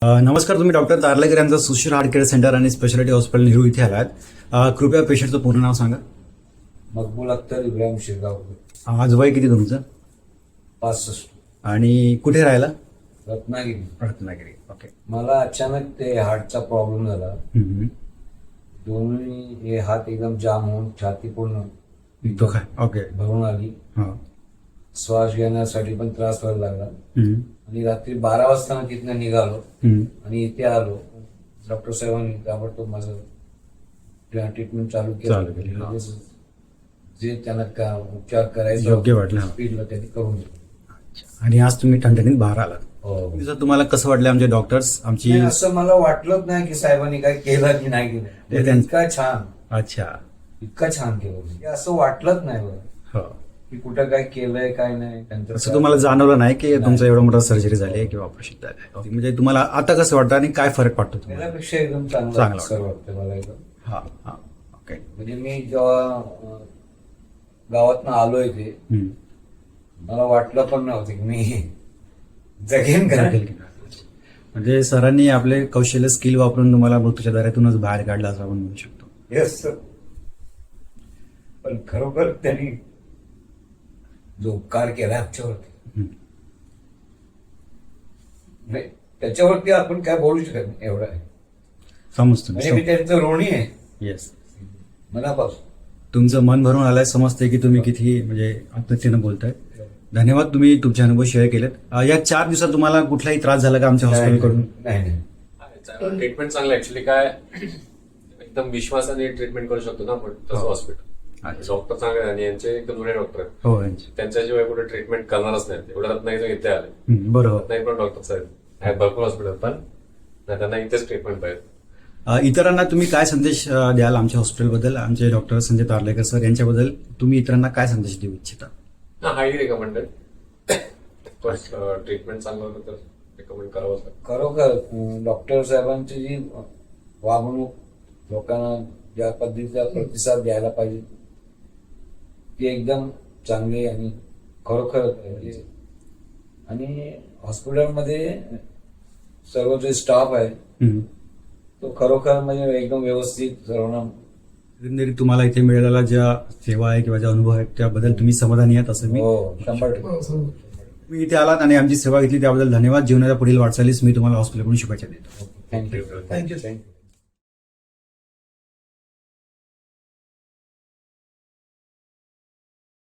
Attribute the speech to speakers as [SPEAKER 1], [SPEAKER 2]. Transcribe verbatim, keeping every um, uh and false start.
[SPEAKER 1] अ, नमस्कार. तुम्ही डॉक्टर तारलेकर यांचा सुशील हार्ट केअर सेंटर आणि स्पेशालिटी हॉस्पिटल नेहरू इथे आलात. अ, कृपया पेशंटचं पूर्ण नाव सांगा.
[SPEAKER 2] मकबूल अख्तर इब्राहिम शिरगावकर,
[SPEAKER 1] आज वय किती तुमचं
[SPEAKER 2] पासष्ट,
[SPEAKER 1] आणि कुठे राहिला?
[SPEAKER 2] रत्नागिरी.
[SPEAKER 1] रत्नागिरी. ओके.
[SPEAKER 2] मला अचानक ते हार्टचा प्रॉब्लेम झाला.
[SPEAKER 1] हम्म.
[SPEAKER 2] दोन्ही हे हात एकदम जाम होऊन छाती पूर्ण
[SPEAKER 1] तो काय? ओके.
[SPEAKER 2] भरून आली.
[SPEAKER 1] हा.
[SPEAKER 2] श्वास घेण्यासाठी पण त्रास व्हायला लागला.
[SPEAKER 1] हम्म.
[SPEAKER 2] आणि रात्री बारा वाजता मी तिथनं निघालो
[SPEAKER 1] हम्म.
[SPEAKER 2] आणि इथे आलो. डॉक्टर साहेबांनी ताबडतोब माझं ट्रीटमेंट चालू
[SPEAKER 1] चालू केली,
[SPEAKER 2] केलं.
[SPEAKER 1] हा.
[SPEAKER 2] म्हणजे जे त्यांना का उपचार करायचे
[SPEAKER 1] योग्य वाटलं, हा.
[SPEAKER 2] स्पीडला त्यांनी करून दिलं.
[SPEAKER 1] आणि आज तुम्ही ठणठणीत बाहेर आलात.
[SPEAKER 2] हो.
[SPEAKER 1] सर, तुम्हाला कसं वाटलं आमचे डॉक्टर्स आमची?
[SPEAKER 2] नाही, असं मला वाटलंच नाही की साहेबांनी काय केलं की नाही
[SPEAKER 1] ते
[SPEAKER 2] केलं.
[SPEAKER 1] त्यां-
[SPEAKER 2] इतका छान
[SPEAKER 1] अच्छा.
[SPEAKER 2] इतकं छान केलं म्हणजे असं वाटलंच नाही बरं
[SPEAKER 1] हो.
[SPEAKER 2] की कुठं काय केलंय काय नाही. त्यांचं
[SPEAKER 1] असं तुम्हाला जाणवलं नाही की
[SPEAKER 2] नाही.
[SPEAKER 1] तुमचं एवढं मोठं सर्जरी झाली आहे किंवा ऑपरेशन झालं आहे? म्हणजे तुम्हाला आता कसं वाटतं आणि काय फरक पडतो तुम्हाला?
[SPEAKER 2] पहिल्यापेक्षा एकदम चांगलं
[SPEAKER 1] चांगलं
[SPEAKER 2] सर वाटतं मला एकदम.
[SPEAKER 1] हा हा. ओके.
[SPEAKER 2] म्हणजे मी जेव्हा अं, गावातनं आलोय ते
[SPEAKER 1] हम्म.
[SPEAKER 2] मला वाटलं पण नव्हतं की मी जगेन का.
[SPEAKER 1] म्हणजे सरांनी आपले कौशल्य स्किल वापरून तुम्हाला मृत्यूच्या दारातूनच बाहेर काढला असं आपण म्हणू शकतो.
[SPEAKER 2] Yes sir. पण खरोखर त्यांनी जो उपकार केला आमच्यावरती,
[SPEAKER 1] हम्म.
[SPEAKER 2] नाही, त्याच्यावरती आपण काय बोलू शकत नाही एवढं आहे.
[SPEAKER 1] समजतो.
[SPEAKER 2] म्हणजे मी त्यांचं ऋणी आहे
[SPEAKER 1] येस.
[SPEAKER 2] मनापासून.
[SPEAKER 1] तुमचं मन भरून आलंय. समजतंय की तुम्ही किती म्हणजे आत्महत्येनं बोलताय. धन्यवाद, तुम्ही तुमचे अनुभव शेअर केलेत. अं, या चार दिवसात तुम्हाला कुठलाही त्रास झाला का आमच्या हॉस्पिटलकडून?
[SPEAKER 2] नाही नाही
[SPEAKER 3] ट्रीटमेंट चांगलं ऍक्च्युली काय एकदम विश्वासाने ट्रीटमेंट करू शकतो ना आपण तसं
[SPEAKER 1] हो.
[SPEAKER 3] हॉस्पिटल. डॉक्टर चांगले आहे आणि यांचे एकदम जुने डॉक्टर आहेत.
[SPEAKER 1] हो. यांची.
[SPEAKER 3] त्यांच्याशिवाय कुठे ट्रीटमेंट करणारच नाही. एवढ्या रत्नागिरी इथे आले.
[SPEAKER 1] हम्म, बरोबर.
[SPEAKER 3] रत्नागिरी पण डॉक्टर आहेत, आहेत भरपूर हॉस्पिटल, पण नाही, त्यांना इथेच ट्रीटमेंट पाहिजे.
[SPEAKER 1] अं, इतरांना तुम्ही काय संदेश अं, द्याल आमच्या हॉस्पिटलबद्दल? आमचे डॉक्टर संजय तारलेकर सर यांच्याबद्दल तुम्ही इतरांना काय संदेश देऊ इच्छिता?
[SPEAKER 3] हा हायली रिकमेंडेड. ट्रीटमेंट चांगलं होतं तर रिकमेंड करावंच लागतं.
[SPEAKER 2] खरोखर अं, डॉक्टर साहेबांची जी वागणूक लोकांना ज्या पद्धतीचा प्रतिसाद द्यायला पाहिजे ती एकदम चांगली आणि खरोखर म्हणजे. आणि हॉस्पिटलमध्ये सर्व जे स्टाफ आहे
[SPEAKER 1] हम्म.
[SPEAKER 2] तो खरोखर म्हणजे एकदम व्यवस्थित सर्वांना.
[SPEAKER 1] एकंदरीत तुम्हाला इथे मिळालेला ज्या सेवा आहे किंवा ज्या अनुभव आहेत त्याबद्दल तुम्ही समाधानी आहात असं मी?
[SPEAKER 2] हो, शंभर टक्के.
[SPEAKER 1] तुम्ही इथे आलात आणि आमची सेवा घेतली त्याबद्दल धन्यवाद. जीवनाच्या पुढील वाटचालीस मी तुम्हाला हॉस्पिटलकडून शुभेच्छा देतो.
[SPEAKER 2] Thank you thank you thank you